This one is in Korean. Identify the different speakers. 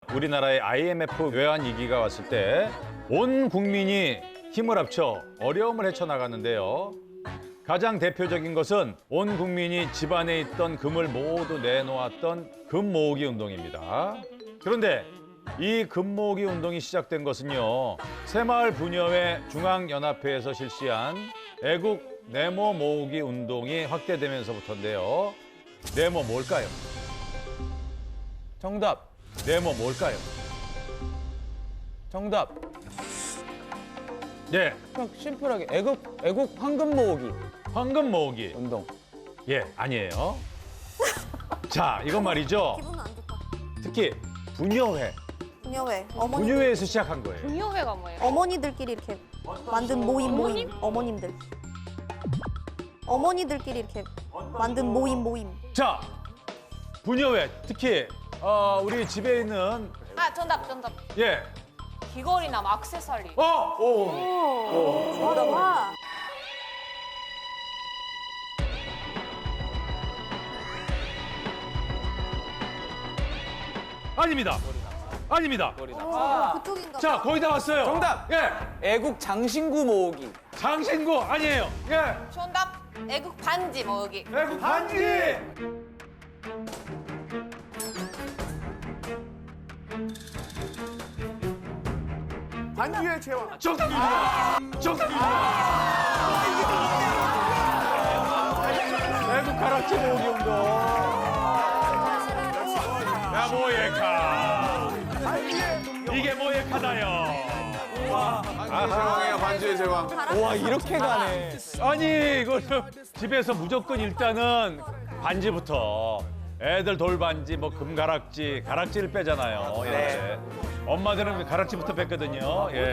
Speaker 1: 우리나라의 IMF 외환 위기가 왔을 때 온 국민이 힘을 합쳐 어려움을 헤쳐나갔는데요. 가장 대표적인 것은 온 국민이 집안에 있던 금을 모두 내놓았던 금 모으기 운동입니다. 그런데 이 금 모으기 운동이 시작된 것은요. 새마을부녀회 중앙연합회에서 실시한 애국 네모 모으기 운동이 확대되면서부터인데요. 네모 뭘까요?
Speaker 2: 정답.
Speaker 1: 네모 뭘까요?
Speaker 2: 정답.
Speaker 1: 예,
Speaker 2: 그냥 심플하게 애국 황금 모으기
Speaker 1: 황금 모으기.
Speaker 2: 운동.
Speaker 1: 예, 아니에요. 자, 이건 말이죠.
Speaker 3: 기분 안 좋다.
Speaker 1: 특히 부녀회,
Speaker 3: 부녀회.
Speaker 1: 부녀회에서 시작한 거예요.
Speaker 4: 분녀회가 뭐예요?
Speaker 3: 어머니들끼리 이렇게 만든 모임. 어머님들. 어머니들끼리 이렇게 만든 모임.
Speaker 1: 자, 부녀회 특히 우리 집에 있는
Speaker 4: 아, 정답.
Speaker 1: 예,
Speaker 4: 귀걸이나 뭐 액세서리.
Speaker 3: 와.
Speaker 1: 아닙니다. 아닙니다.
Speaker 3: 그쪽인가?
Speaker 1: 자, 거의 다 왔어요.
Speaker 2: 정답!
Speaker 1: 예,
Speaker 2: 애국 장신구 모으기.
Speaker 1: 장신구 아니에요. 예,
Speaker 4: 정답. 애국 반지 모으기.
Speaker 1: 애국 반지.
Speaker 5: 반지의 제왕.
Speaker 1: 정답입니다. 정답입니다. 애국 가락지 모으기 운동. 야, 모예카. 이게 모예카다요.
Speaker 5: 반지의 제왕이에요, 반지의 제왕.
Speaker 2: 와, 이렇게 가네.
Speaker 1: 아니, 이거는 집에서 무조건 일단은 반지부터. 애들 돌반지, 뭐 금가락지, 가락지를 빼잖아요. 예. 엄마들은 가락지부터 뺐거든요. 예.